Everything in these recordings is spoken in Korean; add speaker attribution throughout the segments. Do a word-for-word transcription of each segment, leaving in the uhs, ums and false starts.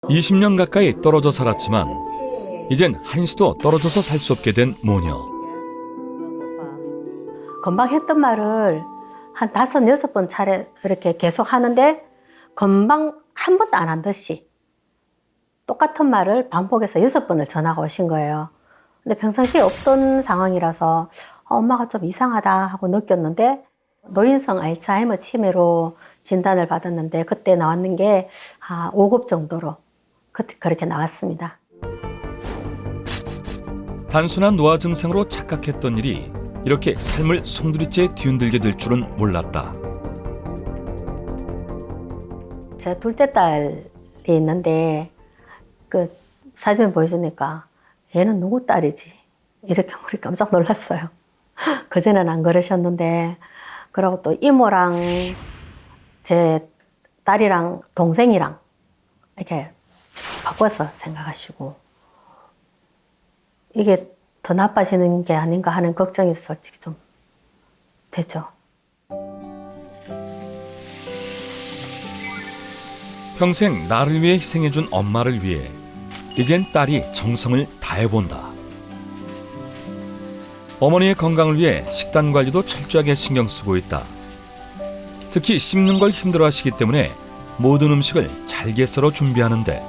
Speaker 1: 이십 년 가까이 떨어져 살았지만 이젠 한시도 떨어져서 살 수 없게 된 모녀.
Speaker 2: 금방 했던 말을 한 다섯, 여섯 번 차례 이렇게 계속 하는데 금방 한 번도 안 한 듯이 똑같은 말을 반복해서 여섯 번을 전화가 오신 거예요. 근데 평상시에 없던 상황이라서 엄마가 좀 이상하다 하고 느꼈는데 노인성 알츠하이머 치매로 진단을 받았는데 그때 나왔는 게 오 급 정도로 그때 그렇게 나왔습니다.
Speaker 1: 단순한 노화 증상으로 착각했던 일이 이렇게 삶을 송두리째 뒤흔들게 될 줄은 몰랐다.
Speaker 2: 제 둘째 딸이 있는데 그 사진을 보여주니까 얘는 누구 딸이지? 이렇게 우리 깜짝 놀랐어요. 그전에는 안 그러셨는데 그러고 또 이모랑 제 딸이랑 동생이랑 이렇게 바꿔서 생각하시고 이게 더 나빠지는 게 아닌가 하는 걱정이 솔직히 좀 되죠.
Speaker 1: 평생 나를 위해 희생해준 엄마를 위해 이젠 딸이 정성을 다해본다. 어머니의 건강을 위해 식단 관리도 철저하게 신경 쓰고 있다. 특히 씹는 걸 힘들어하시기 때문에 모든 음식을 잘게 썰어 준비하는데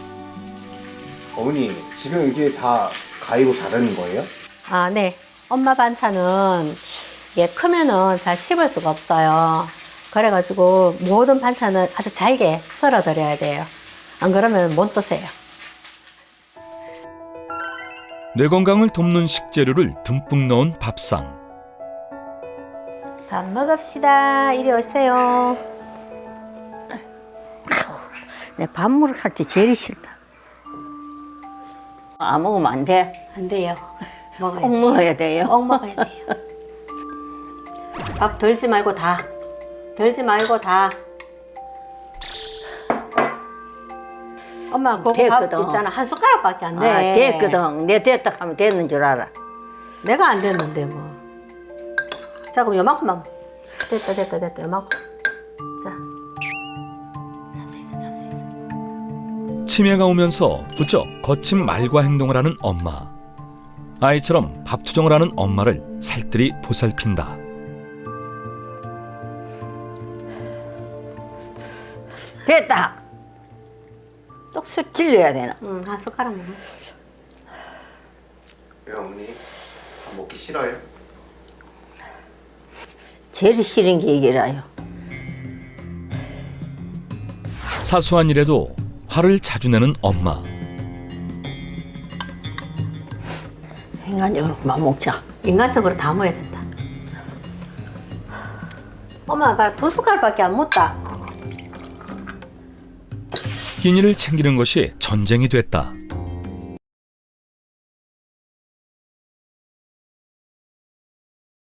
Speaker 3: 어머니, 지금 이게 다 가위로 자르는 거예요?
Speaker 2: 아, 네. 엄마 반찬은 예, 크면은 잘 씹을 수가 없어요. 그래가지고 모든 반찬을 아주 잘게 썰어 드려야 돼요. 안 그러면 못 드세요.
Speaker 1: 뇌 건강을 돕는 식재료를 듬뿍 넣은 밥상.
Speaker 2: 밥 먹읍시다. 이리 오세요.
Speaker 4: 내 밥물을 할 때 제일 싫다. 안 먹으면 안 돼.
Speaker 2: 안 돼요. 먹어야
Speaker 4: 꼭
Speaker 2: 돼요.
Speaker 4: 먹어야 돼요.
Speaker 2: 꼭 먹어야 돼요. 밥 덜지 말고 다. 덜지 말고 다. 엄마, 그거 밥
Speaker 4: 됐거든.
Speaker 2: 있잖아. 한 숟가락밖에 안 돼.
Speaker 4: 아, 됐거든. 내 됐다 하면 됐는 줄 알아.
Speaker 2: 내가 안 됐는데 뭐. 자, 그럼 요만큼만. 됐다, 됐다, 됐다. 요만큼. 자. 잡수 있어, 잡수 있어.
Speaker 1: 치매가 오면서 부쩍 거친 말과 행동을 하는 엄마. 아이처럼 밥투정을 하는 엄마를 살뜰히 보살핀다.
Speaker 4: 됐다. 똑수 찔려야 되나?
Speaker 2: 응, 한 숟가락만.
Speaker 3: 왜 어머니? 밥 먹기 싫어요?
Speaker 4: 제일 싫은 게 이게라요.
Speaker 1: 사소한 일에도 화를 자주 내는 엄마.
Speaker 4: 인간적으로 그만 먹자.
Speaker 2: 인간적으로 다 먹어야 된다. 엄마, 나 두 숟갈밖에 안 먹다.
Speaker 1: 끼니를 챙기는 것이 전쟁이 됐다.